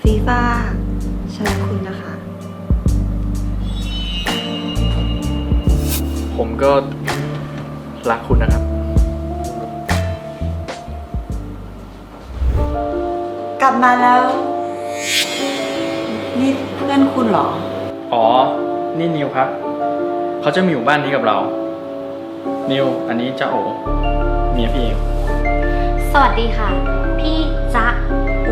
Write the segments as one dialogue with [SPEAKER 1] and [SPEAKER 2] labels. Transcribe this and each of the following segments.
[SPEAKER 1] ฟีฟ่าฉันรักคุณนะคะ
[SPEAKER 2] ผมก็รักคุณนะครับ
[SPEAKER 1] กลับมาแล้ว นี่เพื่อนคุณเหรอ
[SPEAKER 2] อ๋อ นี่นิวครับ เขาจะมาอยู่บ้านนี้กับเรา นิว อันนี้จ้าโอเมียพี่เอง
[SPEAKER 3] สวัสดีค่ะ พี่จ๊ะโอ้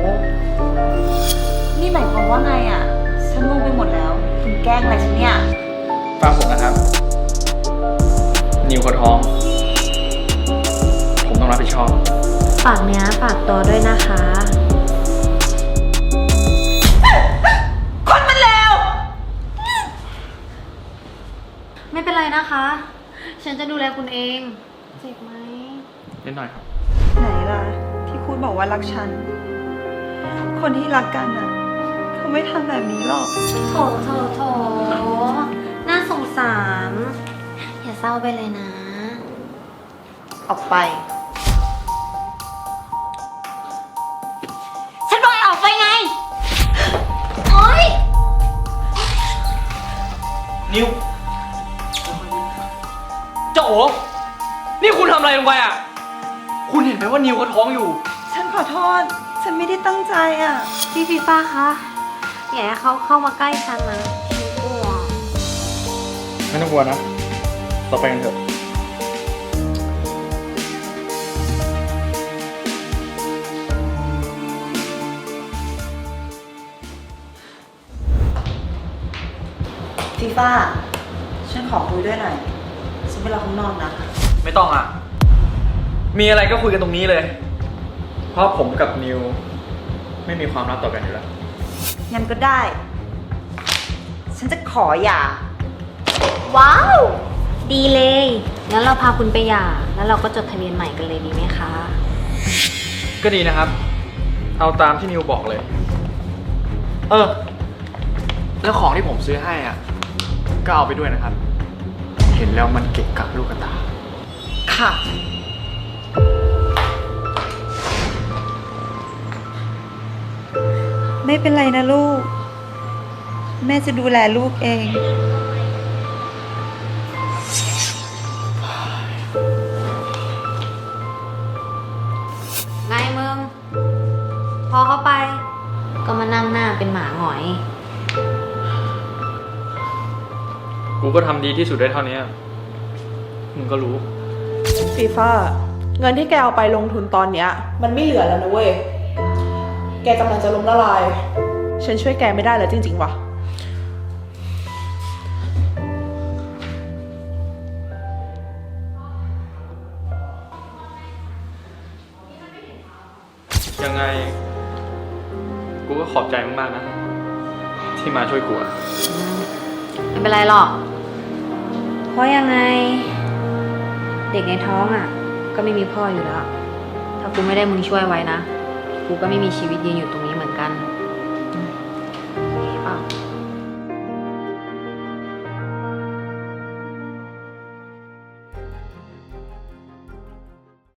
[SPEAKER 1] นี่หมายความว่าไงอ่ะ ฉันงงไปหมดแล้ว คุณแกล้งอะไรฉันเนี่ย
[SPEAKER 2] ฟังผมนะครับ นิวเขาท้อง ผมต้องรับผิดชอบ
[SPEAKER 3] ฝากเนื้อฝากตัวด้วยนะคะ
[SPEAKER 1] คนมันเลว
[SPEAKER 3] ไม่เป็นไรนะคะ ฉันจะดูแลคุณเอง เจ็บไหม
[SPEAKER 2] นิดหน่อยครับ
[SPEAKER 1] ไหนล่ะ ที่คุณบอกว่ารักฉัน คนที่รักกันอ่ะ เขาไม่ทำแบบนี้หรอก
[SPEAKER 3] โถโถน่าสงสาร อย่าเศร้าไปเลยนะ
[SPEAKER 1] ออกไป
[SPEAKER 3] ฉันบอกให้ออกไปไง โอ๊ย
[SPEAKER 2] นิวเจ้าโอนี่คุณทำอะไรลงไปอ่ะ คุณเห็นไหมว่านิวเขาท้องอยู่
[SPEAKER 1] ฉันขอโทษ ฉันไม่ได้ตั้งใจอ่ะ
[SPEAKER 3] พี่ฟีฟ้าคะ อย่าให้เขาเข้ามาใกล้ฉันนะฉันกลัว
[SPEAKER 2] ไม่ต้องกลัวนะ เราไปกันเถอะ
[SPEAKER 1] ฟีฟ่า ฉันขอคุยด้วยหน่อย ฉันไปรอข้างนอกนะ
[SPEAKER 2] ไม่ต้องอ่ะ มีอะไรก็คุยกันตรงนี้เลย เพราะผมกับนิวไม่มีความลับต่อกันอยู่แล้ว
[SPEAKER 1] งั้นก็ได้ ฉันจะขอหย่า
[SPEAKER 3] ว้าว ดีเลย งั้นเราพาคุณไปหย่า แล้วเราก็จดทะเบียนใหม่กันเลยดีไหมคะ
[SPEAKER 2] ก็ดีนะครับ เอาตามที่นิวบอกเลย แล้วของที่ผมซื้อให้อ่ะ ก็เอาไปด้วยนะครับ เห็นแล้วมันเกะกะลูกตา
[SPEAKER 1] ค่ะ ไม่เป็นไรนะลูก แม่จะดูแลลูกเอง
[SPEAKER 3] ไงมึง พอเข้าไป ก็มานั่งหน้าเป็นหมาหงอย
[SPEAKER 2] กูก็ทำดีที่สุดได้เท่านี้ มึงก็รู้
[SPEAKER 4] ฟีฟ่าเงินที่แกเอาไปลงทุนตอนเนี้ยมันไม่เหลือแล้วนะเว้ย แกกำลังจะล้มละลาย ฉันช่วยแกไม่ได้แล้วจริงๆว่ะ
[SPEAKER 2] ยังไง กูก็ขอบใจมากๆนะ ที่มาช่วยกูอะ
[SPEAKER 3] ไม่เป็นไรหรอก เพราะยังไง เด็กในท้องอ่ะ ก็ไม่มีพ่ออยู่แล้ว ถ้ากูไม่ได้มึงช่วยไว้นะ กูก็ไม่มีชีวิตยืนอยู่ตรง